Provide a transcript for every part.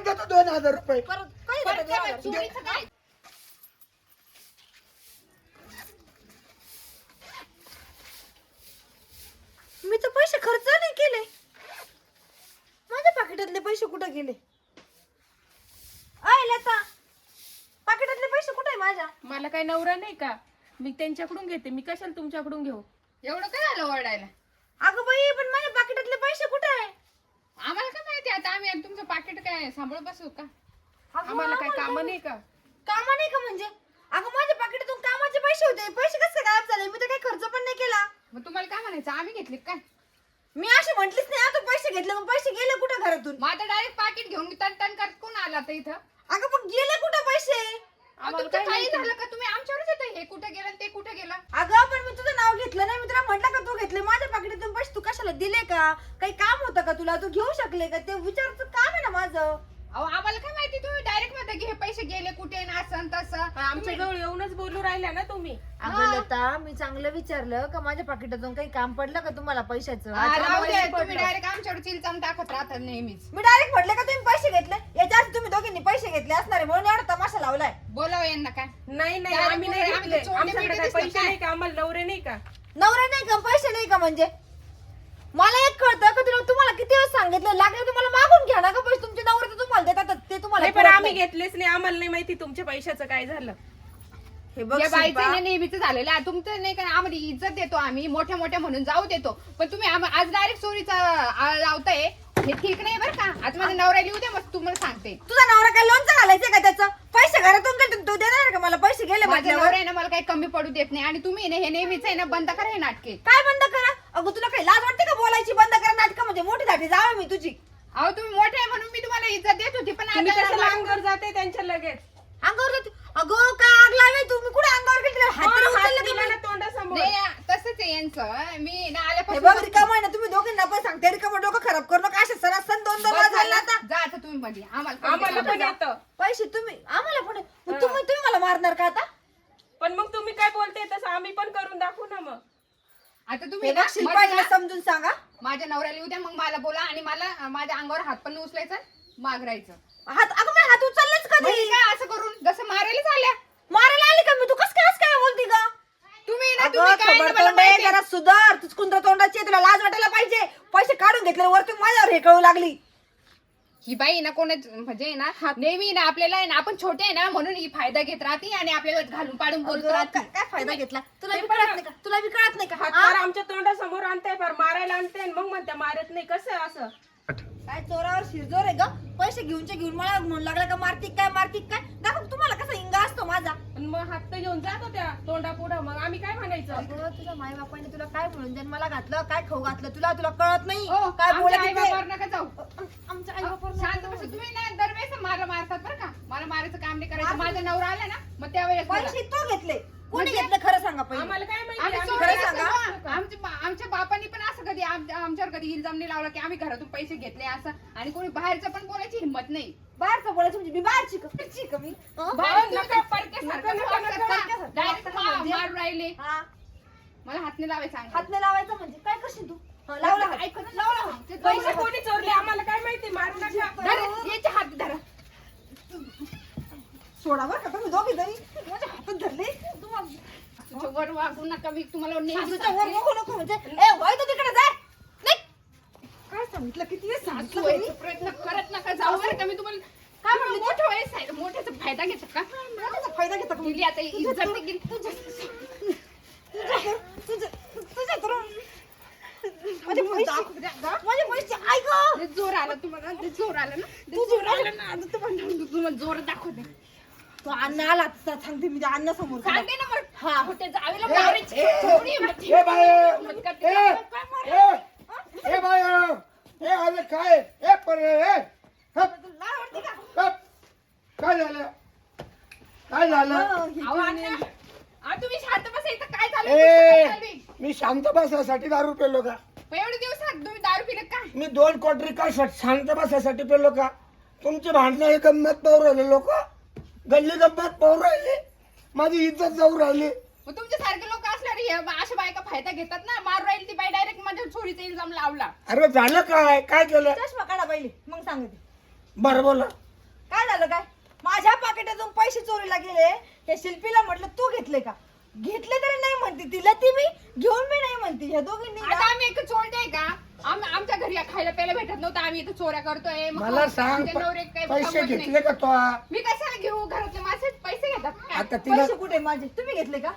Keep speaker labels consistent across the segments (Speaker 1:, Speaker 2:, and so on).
Speaker 1: परत देतो 2000 रुपये.
Speaker 2: परत काय चोरीचं काय?
Speaker 3: मी तर पैसे खर्च नाही केले. माझ्या पाकिटातले पैसे कुठे गेले? अय लता, पाकिटातले पैसे कुठे आहे माझ्या?
Speaker 4: मला काही नवरा नाही का? मी त्यांच्याकडून घेते. मी कशाला तुमच्याकडून घेऊ?
Speaker 2: एवढं काय झालं ओरडायला?
Speaker 3: अगं बाई, पण माझ्या पाकिटातले पैसे कुठे आहे?
Speaker 2: आम्हाला काय माहिती आता आम्ही तुमचं पाकिट काय सांभाळून बसू का?
Speaker 4: आम्हाला काही काम नाही का?
Speaker 3: कामा नाही का म्हणजे? अगं माझ्या पाकिटातून कामाचे पैसे होते. पैसे कसे गायब झाले? मी तर काही खर्च पण नाही केला.
Speaker 2: मग तुम्हाला काय म्हणायचं? आम्ही घेतले काय?
Speaker 3: मी अशी म्हंटलीच नाही. आता पैसे घेतले, मग पैसे गेले कुठे घरातून?
Speaker 2: माझं डायरेक्ट पाकिट घेऊन मी तन तन करत कोण आला आता इथं?
Speaker 3: अगं पण गेले कुठे पैसे?
Speaker 2: तुमचं काही झालं का? तुम्ही आमच्यावरच येतं हे कुठे गेलं ते कुठे गेलं?
Speaker 3: अगं पण मी तुझं नाव घेतलं नाही. मी तुला म्हटलं का तू घेतले माझ्या पाकिटातून पैसे? तू कशाला दिले का? काही काम होतं का तुला? तू घेऊ शकले का? ते विचारायचं काम आहे ना माझं.
Speaker 2: अहो आम्हाला काय माहिती? तुम्ही डायरेक्ट म्हणता की हे पैसे गेले कुठे ना असं तसं.
Speaker 4: आमच्या जवळ येऊनच बोलू राहिल्या ना तुम्ही.
Speaker 3: अगं लता, मी चांगलं विचारलं का माझ्या पाकिटातून काही काम पडलं का तुम्हाला पैशाचं?
Speaker 2: राहू द्या,
Speaker 3: पैसे
Speaker 2: तुम्ही
Speaker 3: पडलं.
Speaker 2: डायरेक्ट आमच्यावर चिलचाम टाकत राहता नेहमीच.
Speaker 3: मी डायरेक्ट म्हटलं का तुम्ही पैसे घेतले? याच्या आधी तुम्ही दोघींनी पैसे घेतले असणार आहे म्हणून एवढा तमाशा लावलाय.
Speaker 2: बोलावं यांना काय?
Speaker 4: नाही नाही,
Speaker 2: त्याला
Speaker 4: आम्ही
Speaker 2: बोलू,
Speaker 4: नाही
Speaker 2: आम्ही
Speaker 4: घेतले.
Speaker 2: चोरटे
Speaker 4: आमच्याकडे
Speaker 2: बिरटे
Speaker 4: काही
Speaker 2: दिसतात
Speaker 4: पैसे
Speaker 2: काय?
Speaker 4: नाही का? आम्हाला नवरे नाही का?
Speaker 3: नवरा नाही का? पैसे नाही का? म्हणजे मला एक कळतं का तुला, तुम्हाला किती वेळ सांगितलं, लागलं तुम्हाला मागून घ्या ना का पैसे. तुमचे नवरे तर तुम्हाला देतात, ते तुम्हाला
Speaker 4: नाही, पण
Speaker 3: पुरत
Speaker 4: आम्ही
Speaker 3: नाही.
Speaker 4: घेतलेच नाही. आम्हाला नाही माहिती तुमच्या पैशाचं काय झालं.
Speaker 3: हे बघ
Speaker 2: या
Speaker 3: शिल्पा,
Speaker 2: बाईचं नेहमीच झालेलं आहे. तुमचं नाही का? आम्हाला इज्जत देतो आम्ही मोठ्या मोठ्या म्हणून जाऊ देतो, पण तुम्ही आज डायरेक्ट चोरीचा लावताय. हे ठीक नाही बरं का? आज माझा नवरा लिहू द्या, मग तुम्हाला सांगते.
Speaker 3: तुझा नवरा काय लोणचं घालायचं का त्याचं? पैसे घरातून गेले तो देणार का मला? पैसे गेले
Speaker 2: माझा
Speaker 3: म्हटल्यावर
Speaker 2: नवरा आहे ना मला काही कमी पडू देत नाही. आणि तुम्ही ना हे नेहमीच आहे ना बंद करा हे नाटके.
Speaker 3: काय बंद करा? अगं तुला काही लाज वाटते का बोलायची? बंद करा नाटकं म्हणजे मोठी झाली जावं मी तुझी.
Speaker 2: अहो तुम्ही मोठे आहे म्हणून मी तुम्हाला इज्जत देत होती, पण
Speaker 4: तुम्ही
Speaker 2: आता
Speaker 4: कशाला
Speaker 2: मला-
Speaker 4: अंगावर जाते त्यांच्या लगेच?
Speaker 3: अंगावर जाते? अगं काय आग लावे तुम्ही? कुठे अंगावर गेली? हात तरी
Speaker 4: हात
Speaker 3: उचलले
Speaker 4: दिला
Speaker 3: तुम्ही?
Speaker 4: ना तोंडासमोर.
Speaker 2: नाही, तसंच आहे यांचं. मी ना
Speaker 3: हे
Speaker 2: आल्यापासून
Speaker 3: बघ रिकामं आहे ना, तुम्ही दोघींना पण सांगते रिकामं डोकं खराब करू नका. असे सरासन दोन दोन
Speaker 2: बस
Speaker 3: वाज
Speaker 2: झालं.
Speaker 3: झाले आता.
Speaker 2: जा आता तुम्ही मध्ये
Speaker 4: आम्हाला पण येतं.
Speaker 3: पैसे तुम्ही आम्हाला पण मग तुम्ही मला मारणार का आता?
Speaker 4: पण मग तुम्ही काय बोलते तसं आम्ही पण करून दाखवू ना मग.
Speaker 2: आता
Speaker 3: हे
Speaker 2: तुम्ही
Speaker 3: बघ
Speaker 2: ना
Speaker 3: शिल्पा,
Speaker 2: मध्ये
Speaker 3: हिला
Speaker 2: ना
Speaker 3: समजून सांगा.
Speaker 2: माझ्या नवऱ्याला येऊ द्या, मग मला बोला आणि मला माझ्या अंगावर हात पण उचलायचा मागरायचं.
Speaker 3: हात अगं मी हात उचललेच कधी?
Speaker 2: म्हणजे काय असं करून जसं मारायला झाल्या
Speaker 3: मारायला आली का मी? तू कस काय बोलती का?
Speaker 2: तुम्ही ना
Speaker 3: अगं
Speaker 2: तुम्ही काय ना
Speaker 3: थोबाड
Speaker 2: मला
Speaker 3: तोंड आहे,
Speaker 2: माहिती आहे.
Speaker 3: जरा सुधार. तू कुंद्र तोंडाची आहे, तुला लाज वाटायला पाहिजे. पैसे काढून घेतले वरतून माझ्यावर हे कळू लागली.
Speaker 2: ही बाई ना कोणाच म्हणजे ना नेहमी ना आपल्याला आहे ना आपण छोटे आहे ना म्हणून ही फायदा घेत राहते आणि आपल्याला घालून पाडून बोलत
Speaker 3: अगं,
Speaker 2: राहते.
Speaker 3: काय फायदा घेतला? तुला
Speaker 4: ते
Speaker 3: बी
Speaker 4: पण
Speaker 3: कळत नाही का? तुला बी कळत नाही का?
Speaker 4: हात
Speaker 3: हा?
Speaker 4: फार आमच्या तोंडासमोर आणताय, फार मारायला आणताय, मग म्हणता मारत नाही. कसं आहे असं?
Speaker 3: काय चोरावर शिरजोर आहे ग? पैसे घेऊनचे घेऊन मला म्हणून लागला का मारतीक काय दाखव तुम्हाला कसा इंगा असतो माझा.
Speaker 4: पण मग हात तर घेऊन जात होत्या तोंडा पुढं, मग आम्ही काय म्हणायचं?
Speaker 3: अगं तुझ्या माई बापाने तुला काय म्हणून जन्माला घातलं, काय खाऊ घातलं तुला कळत नाही
Speaker 2: ओ,
Speaker 3: काय
Speaker 2: आमच्या
Speaker 3: बोलत
Speaker 2: आईबापावर नका जाऊ.
Speaker 3: आमच्या आई बापावर
Speaker 2: शांत बसा तुम्ही ना. दरवेळेस मला मारतात बरं का? मला मारायचं काम नाही करायचं. माझा नवरा आला ना मग त्यावेळेस बोला.
Speaker 3: पैसे तो घेतले कोणी
Speaker 2: म्हणजे-
Speaker 3: घेतलं खरं सांगा पहिले.
Speaker 4: आम्हाला काय माहिती?
Speaker 2: आम्ही
Speaker 4: आम्ही
Speaker 2: चोरी
Speaker 3: खरं सांगा.
Speaker 2: असतो ना. आमच्या बापांनी पण असं कधी आमच्यावर कधी इल्जाम नाही लावला की आम्ही घरातून पैसे घेतले असं. आणि कोणी बाहेरचं पण बोलायची हिंमत नाही.
Speaker 3: बाहेरचं बोलायचं म्हणजे मी बाहेरची का मी? हं?
Speaker 2: बाहेर तुम्ही
Speaker 4: नका,
Speaker 2: काय परक्यासारखं
Speaker 4: नका,
Speaker 2: बोलत
Speaker 4: नका,
Speaker 2: असता.
Speaker 3: नका.
Speaker 2: Direct
Speaker 3: म्हणजे?
Speaker 2: मारून राहिले.
Speaker 3: हा,
Speaker 2: मला हात नाही लावायचं अंगावर.
Speaker 3: हात नाही लावायचं म्हणजे काय करशील तू? हं, लावला हात.
Speaker 2: ऐकू ना.
Speaker 3: लावला हात.
Speaker 2: ते
Speaker 4: पैसे
Speaker 2: पैसे
Speaker 4: कोणी चोरले आम्हाला काय माहिती? मारू नका.
Speaker 2: धरा, याचे हात धरा.
Speaker 3: सोडा बरं का तुम्ही दोघी जणी माझ्या हातात धरले. तुम्हाला
Speaker 2: तुझ्या वर वागू नका. मी तुम्हाला नेहमी
Speaker 3: सासूच्या वर
Speaker 2: सांगते.
Speaker 3: बघू नको म्हणजे ए वय तू तिकडे जाय. नाही काय सांगितलं किती वेळ
Speaker 2: सासू
Speaker 3: सांगितलं
Speaker 2: व्हायचा
Speaker 3: तुम्ही?
Speaker 2: प्रयत्न करत नका जाऊ बरं का? मी तुम्हाला काय म्हणलं? मोठं वयस आहे. मोठ्याचा फायदा घेतात का?
Speaker 3: त्याचा फायदा घेता का?
Speaker 2: गेली आता इज्जत नाही गेली.
Speaker 3: तुझ्या तर माझे पैसे ऐक
Speaker 2: लय जोर आला तुम्हाला. लय जोर आला ना. लय जोर आला ना. आता तुम्हाला जोर दाखवते.
Speaker 3: तो अण्णा आला आता सांगते मी त्या अण्णा समोर
Speaker 2: सांगते ना मग.
Speaker 3: हा.
Speaker 2: कुठे जावेला मारायची. थोडी हिंमत
Speaker 1: ए बाय
Speaker 2: हिंमत करते. काय मारायचं?
Speaker 1: ए बाय ए अरे काय ए पर ए हप, हप. काय झालं काय झालं?
Speaker 2: अहो, अण्णा. अहो, तुम्ही शांत बसा. इथं काय झालं?
Speaker 1: ए
Speaker 2: काय चाललंय?
Speaker 1: मी शांत बसायसाठी दारू पेलो का?
Speaker 2: पण एवढे दिवस तुम्ही दारू पिले काय?
Speaker 1: मी 2 क्वार्टरी का शांत बसायसाठी पेलो का? तुमची भांडणं हे गंमत पाहू राहिले लोक, गल्ली गंमत पाहू राहिले, माझी इज्जत जाऊ राहिली.
Speaker 2: मग तुमच्या सारखे लोक असल्यावर हे अशा बायका फायदा घेतात ना. मारू राहील ती बाई डायरेक्ट माझ्या चोरीचा इल्जाम लावला.
Speaker 1: अरे झालं काय काय केलं?
Speaker 3: चष्मा काढा पहिले मग सांगते.
Speaker 1: बरं बोला.
Speaker 3: काय झालं काय माझ्या पाकिटातून पैसे चोरीला गेले त्या शिल्पीला म्हटलं तू घेतले का घेतले तरी नाही म्हणते तिला ती मी घेऊन मी नाही म्हणते ह्या दोघींनी ना-
Speaker 2: आता आम्ही एक चोरटे का आमच्या घरी खायला प्यायला भेटत नव्हतं आम्ही इथं चोऱ्या करतोय मग
Speaker 1: मला सांग
Speaker 2: आमचे नवरे काही
Speaker 1: पैसे
Speaker 2: कमवत नाही.
Speaker 1: घेतले का तो
Speaker 2: मी कशाला घेऊ घरातले माझे पैसे घेतात काय?
Speaker 1: आता तिला
Speaker 3: पैसे कुठे माझे तुम्ही घेतले का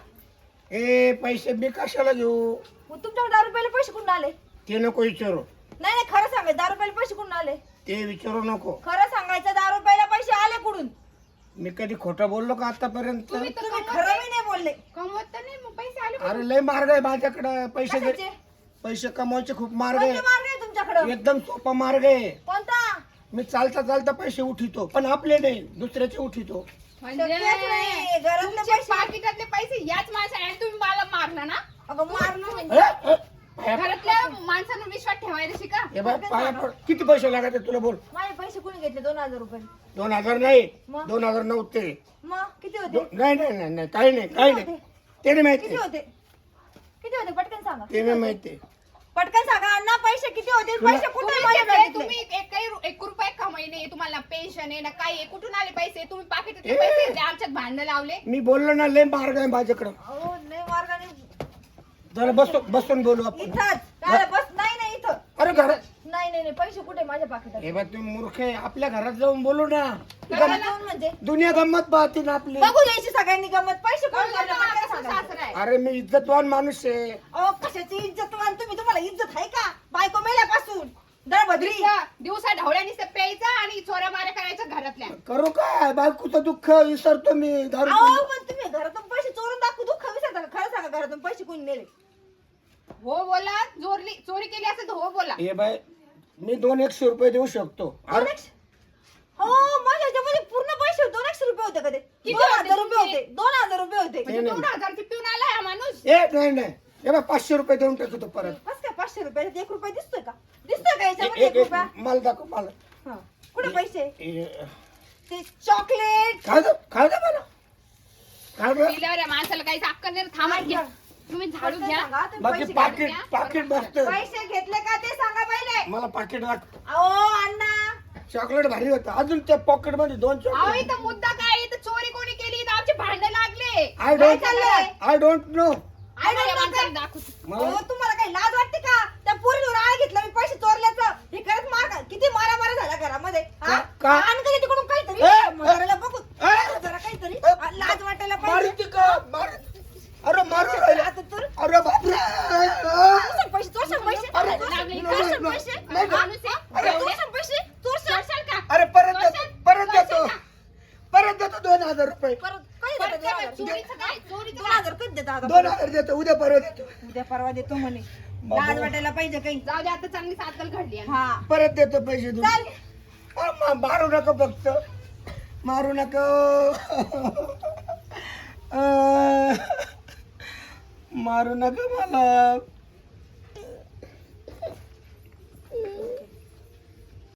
Speaker 1: ए पैसे मी कशाला घेऊ
Speaker 3: मग तुमच्याकडे 10 रुपयाला पैसे कुठून आले
Speaker 1: ते नको विचारू
Speaker 3: नाही नाही खरं सांगायचं 10 रुपयाला पैसे कुठून आले
Speaker 1: ते विचारू नको
Speaker 3: खरं सांगायचं 10 रुपयाला पैसे आले कुठून
Speaker 1: मी कधी खोटं बोललो का आतापर्यंत
Speaker 2: तुम्ही तर
Speaker 3: तुम्ही
Speaker 2: कमवत
Speaker 3: खरं
Speaker 2: नाही.
Speaker 3: मी नाही बोलले
Speaker 2: कमवत तर नाही मग पैसे आले
Speaker 1: अरे लय मार्ग आहे माझ्याकडे पैसे
Speaker 3: कशाचे?
Speaker 1: पैसे कमवायचे खूप मार्ग
Speaker 3: कोणते
Speaker 1: आहे
Speaker 3: मार्ग आहे तुमच्याकडे
Speaker 1: एकदम सोपा मार्ग आहे
Speaker 3: कोणता
Speaker 1: मी चालता चालता पैसे उठितो पण आपले नाही दुसऱ्याचे उठितो
Speaker 2: म्हणजे
Speaker 3: शक्यच नाही. घरातले
Speaker 2: तुमचे
Speaker 3: पैसे-
Speaker 2: पाकिटातले पैसे याच माणसाने आणि तुम्ही मला मारला ना
Speaker 3: अगं मारलं म्हणजे
Speaker 2: घरातल्या माणसांवर विश्वास ठेवायला शिका
Speaker 1: हे बाय पाया पड किती पैसे लागत तुला बोल
Speaker 3: माझे पैसे कोणी घेतले 2000 रुपये
Speaker 1: 2000 नाही
Speaker 3: मग?
Speaker 1: 2000 नव्हते
Speaker 3: मग किती होते
Speaker 1: नाही नाही नाही नाही काही नाही काही नाही ते नाही माहिती
Speaker 3: किती होते किती होते पटकन सांगा
Speaker 1: ते नाही माहिती
Speaker 3: पटकन सांगा अण्णा पैसे किती होते पैसे कुठे
Speaker 2: तुम्ही
Speaker 3: माझ्या
Speaker 2: घेतले,
Speaker 3: बँकेतले?
Speaker 2: तुम्ही एक रुपये कमाई नाही तुम्हाला पेन्शन आहे ना काय आहे कुठून आले पैसे तुम्ही पाकिटातले पैसे घेतले, आमच्यात भांडण लावले
Speaker 1: मी बोललो ना लय मार्ग आहे माझ्याकडं
Speaker 3: अहो लय मार्गाने
Speaker 1: जरा बसून बोलू आपण
Speaker 3: इथंच काय बस नाही नाही इथं
Speaker 1: अरे घरात
Speaker 3: नाही नाही नाही पैसे कुठे माझ्या पाकिटात
Speaker 1: हे बा तुम्ही मूर्ख आहे आपल्या घरात जाऊन बोलू ना
Speaker 3: घरात जाऊन म्हणजे
Speaker 1: दुनिया गंमत पाहते ना आपली
Speaker 3: बघू द्यायची सगळ्यांनी गमत पैसे कोण
Speaker 2: कळलं
Speaker 3: घेतले?
Speaker 2: ना,
Speaker 3: पटकन
Speaker 2: कसं
Speaker 3: सांगा.
Speaker 2: सासरा आहे.
Speaker 1: अरे मी इज्जतवान माणूस आहे
Speaker 3: अहो कशाची इज्जत मान तुम्हाला इज्जत आहे का बायको मेल्यापासून दळभद्री
Speaker 2: दिवसा ढवळ्यानी प्यायचा आणि चोऱ्या माऱ्या करायच्या घरातल्या
Speaker 1: करू काय बायकोचं दुःख विसरतो मी दारू
Speaker 3: अहो
Speaker 1: पिऊन.
Speaker 3: पण तुम्ही घरातून पैसे चोरून दाखवू दुःख विसरता का? खरं सांगा घरातून पैसे कोणी नेले
Speaker 2: हो बोला चोरी केली असेल तर हो बोला
Speaker 1: हे बाय मी 200 रुपये देऊ शकतो अरे
Speaker 3: 200? हो माझ्या ह्याच्यामध्ये पूर्ण पैसे 200 रुपये होते का ते
Speaker 2: किती
Speaker 3: 2000
Speaker 2: होते
Speaker 3: रुपये होते 2000 रुपये होते
Speaker 2: म्हणजे
Speaker 1: नाही.
Speaker 2: 2000 पिऊन आला हा माणूस
Speaker 1: ए नाही नाही हे बाय 500 रुपये देऊन टाकतो परत
Speaker 3: बस काय 500 रुपये 1 रुपये दिसतोय का दिसतोय का याच्यामध्ये
Speaker 1: एक
Speaker 3: 1 रुपया
Speaker 1: मला दाखव मला
Speaker 3: हा. कुठे पैसे
Speaker 1: ए,
Speaker 3: ते चॉकलेट
Speaker 1: खाऊ दे मला खाऊ दे
Speaker 2: पिल्यावर या माणसाला काही अक्कल नाही थांबा घ्या तुम्ही झाडू घ्या
Speaker 3: सांगा, तुम्ही
Speaker 1: बाकी
Speaker 3: पैसे
Speaker 1: पाकिट
Speaker 2: घ्या.
Speaker 1: पाकिट बसत
Speaker 3: पैसे घेतले का ते सांगा पहिले
Speaker 1: मला पाकिट वाट
Speaker 3: अहो अण्णा
Speaker 1: चॉकलेट भारी होतं अजून त्या पॉकेट मध्ये 2
Speaker 2: अहो
Speaker 1: चॉकलेट
Speaker 2: इथं मुद्दा काय इथं चोरी कोणी केली इथं आमचे भांडण लागले
Speaker 1: आय
Speaker 3: काय
Speaker 1: डोंट
Speaker 3: चाललंय?
Speaker 1: आय डोंट नो
Speaker 2: आम्हाला या माणसाला दाखवतो
Speaker 1: मला
Speaker 3: अहो तुम्हाला काही लाज वाटते का त्या पोरीवर आळ घेतला मी पैसे चोरल्याचं हे करत मार किती मारा झाला घरामध्ये हा?
Speaker 1: का?
Speaker 3: आण का तिकडून काहीतरी
Speaker 1: ए,
Speaker 3: म्हाताऱ्याला बघू
Speaker 1: ए,
Speaker 3: जरा काहीतरी
Speaker 1: ए,
Speaker 3: लाज वाटायला पाहिजे
Speaker 1: मारुती का मार अरे मारू राहिला
Speaker 3: आता तर
Speaker 1: अरे बापरे
Speaker 3: चोरशाल पैसे चोरशाल पैसे
Speaker 1: अरे,
Speaker 2: लागले.
Speaker 3: चोरशाल
Speaker 1: नाही,
Speaker 3: पैसे
Speaker 1: नाही,
Speaker 2: माणूस आहे.
Speaker 3: अरे,
Speaker 2: एवढे?
Speaker 3: चोरशाल पैसे चोरशाल
Speaker 2: चोरशाल का
Speaker 1: अरे परत देतो
Speaker 2: चोरशाल?
Speaker 1: परत देतो
Speaker 2: चोरशाल का?
Speaker 1: परत देतो 2000 रुपये
Speaker 3: परत कधी
Speaker 2: परत
Speaker 3: देता
Speaker 2: काय?
Speaker 3: 2000?
Speaker 2: चोरीचं काय चोरीचं काय?
Speaker 3: 2000 कधी देता आता?
Speaker 1: 2000 देतो उद्या परवा देतो
Speaker 3: उद्या परवा देतो म्हणे
Speaker 1: बाबा.
Speaker 3: लाज वाटायला पाहिजे काही
Speaker 2: जाऊ दे आता चांगली सातल घडली आहे.
Speaker 3: हा
Speaker 1: परत देतो पैसे
Speaker 3: चाल
Speaker 1: तुम्ही मारू नका फक्त मारू नका मारू नका मला